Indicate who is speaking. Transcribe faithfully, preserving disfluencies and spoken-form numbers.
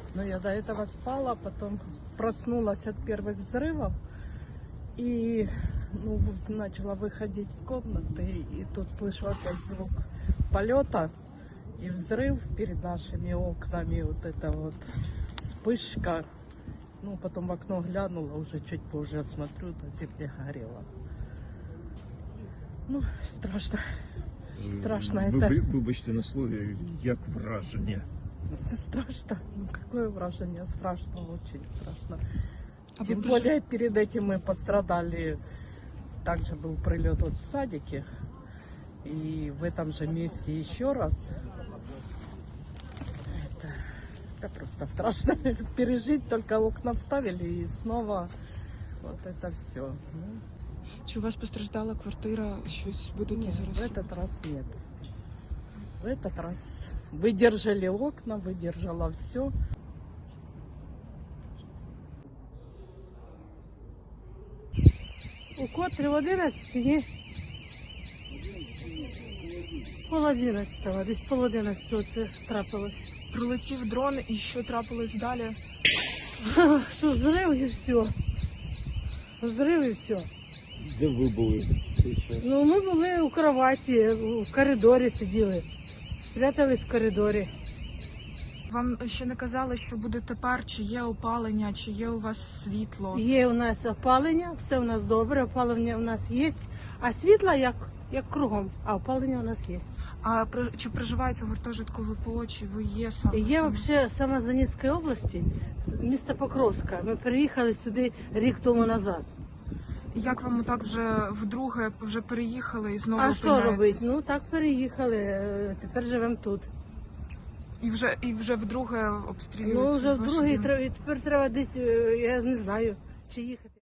Speaker 1: Но я до этого спала, потом проснулась от первых взрывов и ну, вот начала выходить с комнаты. И тут слышу опять звук полета и взрыв перед нашими окнами. Вот это вот вспышка. Ну, потом в окно глянула, уже чуть позже смотрю, на земле горело. Ну, страшно. Страшно это.
Speaker 2: Ви, вибачте на слові, як враження?
Speaker 1: Страшно. Ну, какое вражение? Страшно, очень страшно.
Speaker 3: А
Speaker 1: Тем
Speaker 3: вы
Speaker 1: более, перед этим мы пострадали. Также был прилет вот в садике. И в этом же месте еще раз. Это, это просто страшно пережить. Только окна вставили и снова вот это все. Ну,
Speaker 3: Чи у вас постраждала квартира? Щось будете
Speaker 1: нет,
Speaker 3: зараз?
Speaker 1: в этот раз нет. В этот раз выдержали окна, выдержала все.
Speaker 4: У котрі в одинадцять, ні? Пол одинадцятого, десь пол одинадцятого це трапилось.
Speaker 3: Прилетів дрон і що трапилось далі?
Speaker 4: Що, взрив і все. Взрив і все.
Speaker 2: Де ви були в цей час?
Speaker 4: Ну, ми були у кроваті, в коридорі сиділи. Спрятались в коридорі.
Speaker 3: Вам ще не казали, що буде тепер, чи є опалення, чи є у вас світло?
Speaker 4: Є у нас опалення, все у нас добре, опалення у нас є, а світла як, як кругом, а опалення у нас є.
Speaker 3: А при- чи проживаєте в гуртожитку ВПО, чи ви є саме?
Speaker 4: Я взагалі сама з Донецької області, з міста Покровська. Ми переїхали сюди рік тому назад.
Speaker 3: Як вам так вже вдруге вже переїхали і знову
Speaker 4: А що
Speaker 3: опиняєтесь?
Speaker 4: робити? Ну так переїхали, е, тепер живемо тут.
Speaker 3: І вже і вже вдруге обстрілюють.
Speaker 4: Ну вже
Speaker 3: ваш
Speaker 4: в другий
Speaker 3: дім?
Speaker 4: треба- тепер треба десь, е, я не знаю, чи їхати.